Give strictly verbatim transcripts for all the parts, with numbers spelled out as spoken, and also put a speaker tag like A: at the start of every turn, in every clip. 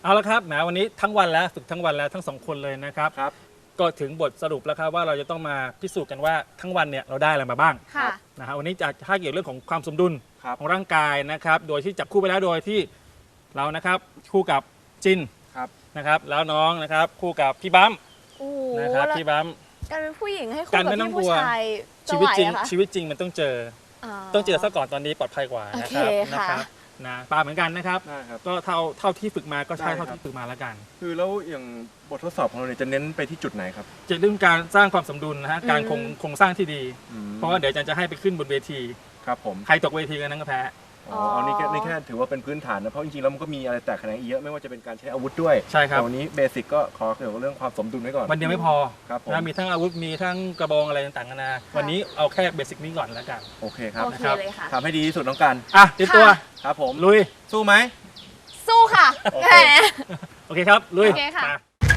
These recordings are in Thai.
A: เอาละครับแหมวันนี้ทั้งวันแล้วฝึกทั้งวันแล้วทั้งสองคนเลยนะครับ
B: ครับ
A: ก็ถึงบทสรุปแล้วครับว่าเราจะต้องมาพิสูจน์กันว่าทั้งวันเนี่ยเราได้อะไรมาบ้าง
C: ค่ะ
A: นะฮะวันนี้จะถ้าเกี่ยวเรื่องของความสมดุล
B: ครับ
A: ของร่างกายนะครับโดยที่จับคู่ไปแล้วโดยที่เรานะครับคู่กับจิน
B: ครับ
A: นะครับแล้วน้องนะครับคู่กับพี่บัม
C: โอ้โห
A: นะครับ
C: แล้ว
A: พี่บัม
C: การเป็นผู้หญิงให้คู่
A: การ
C: กับ
A: ไม่ต้อง
C: พี่
A: กลั
C: ผู้
A: ว
C: ชายจะ
A: ชี
C: ไห
A: วิต
C: ว
A: จริง
C: เหรอคะ
A: ชีวิตจริงมันต้องเจอ ต้องเจอซะก่อนตอนนี้ปลอดภัยกว่านะครั
C: โอเค
A: นะ
C: ค่ะ
A: ครับนะปลาเหมือนกันนะครับ
B: ได้ครับ
A: ก็เท่าเท่าที่ฝึกมาก็ใช่
B: ได้ครับ
A: เท่าที่ฝึกมาแล้วกัน
B: คือแล้วอย่างบททดสอบของเราเนี่ยจะเน้นไปที่จุดไหนครับ
A: จะเรื่องการสร้างความสมดุลนะฮะการคงโครงสร้างที่ดี
B: อืม
A: เพราะว่าเดี๋ยวอาจารย์จะให้ไปขึ้นบนเวที
B: ครับผม
A: ใครตกเวทีกันนั้นก็แพ้
B: อ๋อเอานี่แค่นี่แค่ถือว่าเป็นพื้นฐานนะเพราะจริงๆแล้วมันก็มีอะไรแตกแขนงอีกเยอะไม่ว่าจะเป็นการใช้อาวุธด้วย
A: ใช่ครับ
B: แต่วันนี้เบสิกก็ขอเกี่ยวกับเรื่องความสมดุลไว้ก่อน
A: วันเดียวไม่พอ
B: ครับผม
A: นะมีทั้งอาวุธมีทั้งกระบองอะไรต่างๆนานาวันนี้เอาแค่เบสิกนี้ก่อนแล้วกัน
B: โอเคครับ
C: โอเค
A: นะครับ
C: เลยค่ะ
B: ทำให้ดีที่สุดน้องกัน
A: อ่ะเตรียมตัว
C: ค่ะ
B: ครับผม
A: ลุย
B: สู้ไหม
C: สู้ค่ะ
B: โอ
C: แห
B: เค
C: ม
A: โอเคครับลุย
C: โอเคค่ะ
A: มา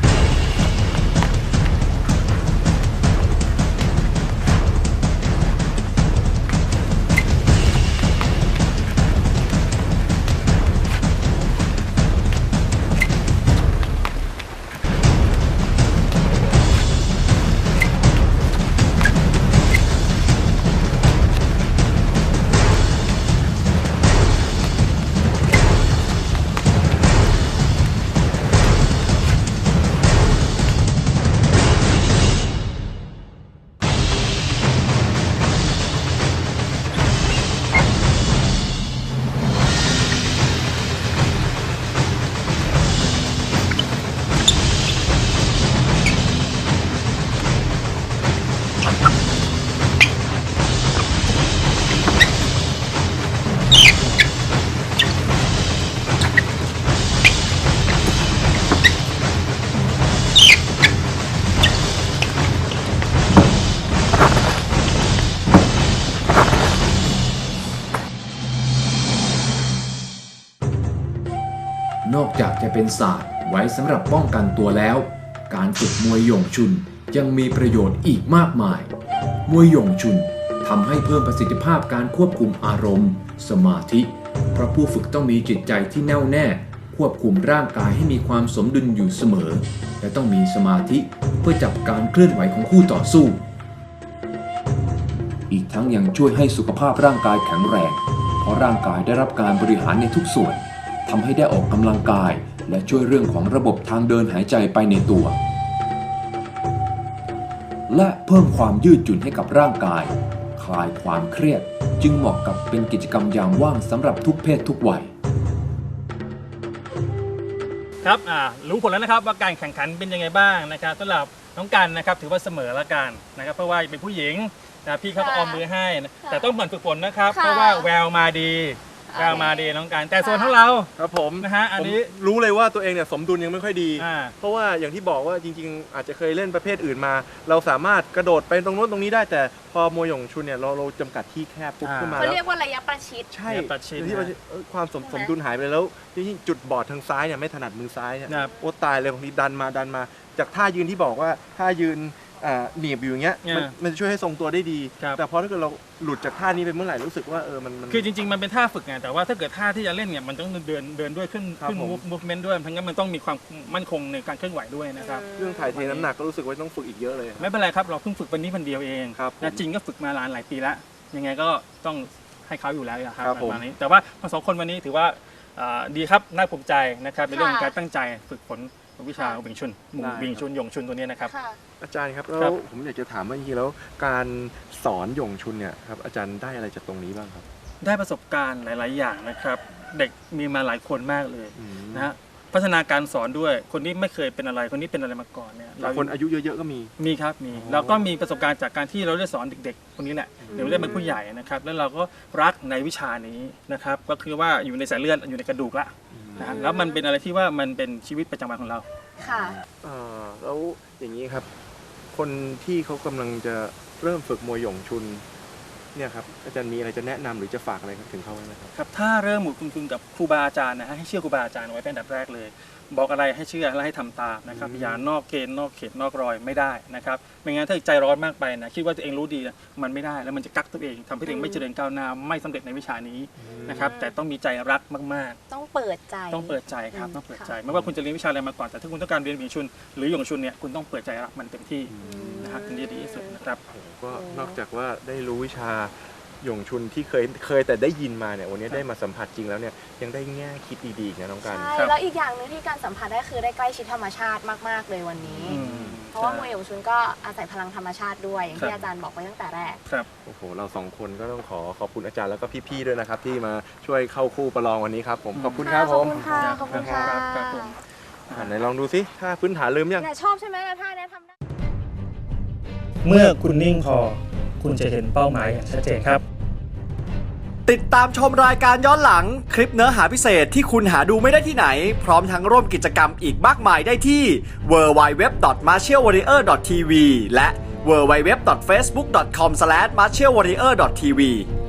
D: นอกจากจะเป็นศาสตร์ไว้สำหรับป้องกันตัวแล้ว การฝึกมวยหย่งชุนยังมีประโยชน์อีกมากมาย มวยหย่งชุนทำให้เพิ่มประสิทธิภาพการควบคุมอารมณ์ สมาธิ เพราะผู้ฝึกต้องมีจิตใจที่แน่วแน่ ควบคุมร่างกายให้มีความสมดุลอยู่เสมอ และต้องมีสมาธิเพื่อจับการเคลื่อนไหวของคู่ต่อสู้ อีกทั้งยังช่วยให้สุขภาพร่างกายแข็งแรง เพราะร่างกายได้รับการบริหารในทุกส่วนทำให้ได้ออกกำลังกาย และช่วยเรื่องของระบบทางเดินหายใจไปในตัว และเพิ่มความยืดหยุ่นให้กับร่างกาย คลายความเครียด จึงเหมาะกับเป็นกิจกรรมยามว่างสำหรับทุกเพศทุกวัย
A: ครับอ่ารู้ผลแล้วนะครับว่าการแข่งขันเป็นยังไงบ้างนะครับสำหรับน้องกันนะครับถือว่าเสมอละกันนะครับเพราะว่าเป็นผู้หญิงนะพี่เขาก็
C: ค่ะ
A: ออมมือให้นะ
C: ค่ะ
A: แต่ต้องหมั่นฝึกฝนนะครับ
C: ค่ะ
A: เพราะว่าแววมาดีแววมาดีน้องกันแต่ส่วนของเรา
B: ครับผม
A: นะฮะอันนี้
B: ผมรู้เลยว่าตัวเองเนี่ยสมดุลยังไม่ค่อยดี
A: อ่า
B: เพราะว่าอย่างที่บอกว่าจริงๆ อาจจะเคยเล่นประเภทอื่นมา เราสามารถกระโดดไปตรงโน้นตรงนี้ได้ แต่พอมวยหย่งชุนเนี่ยเราเราจำกัดที่แคบปุ๊บ
A: อ่า
B: ขึ้นมา
C: เขา
B: แล้ว
C: เรียกว่าระยะประชิด
B: ใช่
A: เนี่ยประชิด
B: ที่ประชิดเอ้ยความสมสมดุลหายไปแล้วจริงๆจุดบอดทางซ้ายเนี่ยไม่ถนัดมือซ้ายเนี่ย
A: นะครับ
B: โอ้ตายเลยบางทีดันมาดันมา จากท่ายืนที่บอกว่าท่ายืนอ่าหนีบอยู่อย่างเงี้ยมัน
A: อ่ามั
B: มันจะช่วยให้ทรงตัวได้ดี
A: ครับ
B: แต่พอถ้าเกิดเราหลุดจากท่านี้ไปเมื่อไหร่รู้สึกว่าเออมันมัน
A: คือจริงๆมันเป็นท่าฝึกไงแต่ว่าถ้าเกิดท่าที่จะเล่นเนี่ยมันต้องเดินเดินด้วยขึ้น
B: ครับ
A: ขึ้น
B: ผม
A: มูฟเมนต์ด้วยเพราะงั้นมันต้องมีความมั่นคงในการเคลื่อนไหวด้วยนะครับ
B: เรื่องถ่ายเทน้ำหนักก็รู้สึกว่าต้องฝึกอีกเยอะเลย
A: ไม่เป็นไรครับเราเพิ่งฝึกวันนี้วันเดียวเอง
B: ครับ
A: นะจริงก็ฝึกมาหลายหลายปีแล้วยังไงก็ต้องให้เขาอยู่แล้วครับ
B: ครับผม
A: ประมาณนี้แต่ว่าทั้งสองคนวันนี้ถือว่าอ่าดีครับน่าภูมิใจนะครับในเรื่องของการตั้งใจฝึกฝนวิชาวิงชุนวิงชุนหยงชุนตัวนี้นะครับ
C: ค่ะ
B: อาจารย์ครับ
A: ครั
B: แล้
A: บ
B: วผมอยากจะถามว่าจริงๆแล้วการสอนหย่งชุนเนี่ยครับอาจารย์ได้อะไรจากตรงนี้บ้างครับ
A: ได้ประสบการณ์หลาย ๆ อย่างนะครับ เด็กมีมาหลายคนมากเลย
B: อืม
A: นะฮะพัฒนาการสอนด้วยคนที่ไม่เคยเป็นอะไรคนนี้เป็นอะไรมาก่อนเนี่ย
B: แต่คนอายุเยอะๆก็มี
A: มีครับมี
B: อ๋อ
A: เราก็มีประสบการณ์จากการที่เราได้สอนเด็ก ๆ คนนี้แหละเดี๋ยวได้เป็นผู้ใหญ่นะครับแล้วเราก็รักในวิชานี้นะครับก็คือว่าอยู่ในสายเลือดอยู่ในกระดูกละนะฮะแล้วมันเป็นอะไรที่ว่ามันเป็นชีวิตประจำวันของเรา
C: ค่ะ
B: เอ่อแล้วอย่างนี้ครับ คนที่เขากำลังจะเริ่มฝึกมวยหย่งชุนเนี่ยครับอาจารย์มีอะไรจะแนะนำหรือจะฝากอะไรถึงเขาไหมครับ
A: ครับถ้าเริ่มหมุนคุณคุณกับครูบาอาจารย์นะฮะให้เชื่อครูบาอาจารย์ไว้เป็นอันดับแรกเลย เพบอกอะไรให้เชื่อและให้ทำตามนะครับอย่านอกเกณฑ์นอกเขตนอกรอยไม่ได้นะครับไม่งั้นถ้าใจร้อนมากไปนะคิดว่าตัวเองรู้ดีนะมันไม่ได้แล้วมันจะกักตัวเองทำให้ตัวเองไม่เจริญก้าวหน้าไม่สำเร็จในวิชานี้นะครับแต่ต้องมีใจรักมากๆ
C: ต้องเปิดใจ
A: ต้องเปิดใจครับ
C: อืม
A: ต้องเปิด
C: ค่ะ
A: ใจไม่ว่าคุณจะเรียนวิชาอะไรมาก่อนแต่ถ้าคุณต้องการเรียนหยงชุนหรือหยงชุนเนี่ยคุณต้องเปิดใจรับมันเต็มที่นะครับถึงจะดีที่สุดนะครับ
B: โอ้โหก็นอกจากว่าได้รู้วิชาหยงชุนที่เคยเคยแต่ได้ยินมาเนี่ยวันนี้ได้มาสัมผัสจริงแล้วเนี่ยยังได้แง่คิดดีๆอีกนะน้องกัน
C: ใช่
A: ครับ
C: แล้วอีกอย่างหนึ่งที่การสัมผัสได้คือได้ใกล้ชิดธรรมชาติมากๆเลยวันนี้
A: อืม
C: เพราะว่ามวยหยงชุนก็อาศัยพลังธรรมชาติด้วยอย่างที่
A: ครับ
C: อาจารย์บอกไว้ตั้งแต่แรก
A: ครับ
B: โอ้โหเราสองคนก็ต้องขอขอบคุณอาจารย์แล้วก็พี่ๆด้วยนะครับที่มาช่วยเข้าคู่ประลองวันนี้ครับผมขอบคุณครับ
C: ข
B: ผ
C: อบ
B: ม
C: คุณค่ะ ขอบคุณค่ะ
A: ครับครับผม
B: อ่ะไหนลองดูสิถ้าพื้นฐานลืมยัง
C: เนี่ยชอบใช่ไหมท่าเนี้ยทำได้
A: เมื่อคุณนิ่งพอคุณจะเห็นเป้าหมายอย่างชัดเจนครับ
E: ติดตามชมรายการย้อนหลังคลิปเนื้อหาพิเศษที่คุณหาดูไม่ได้ที่ไหน พร้อมทั้งร่วมกิจกรรมอีกมากมายได้ที่ ดับเบิลยู ดับเบิลยู ดับเบิลยู ดอท มาร์เชียลวอริเออร์ ดอท ที วี และ ดับเบิลยู ดับเบิลยู ดับเบิลยู ดอท เฟซบุ๊ก ดอท คอม สแลช มาร์เชียลวอริเออร์ ดอท ที วี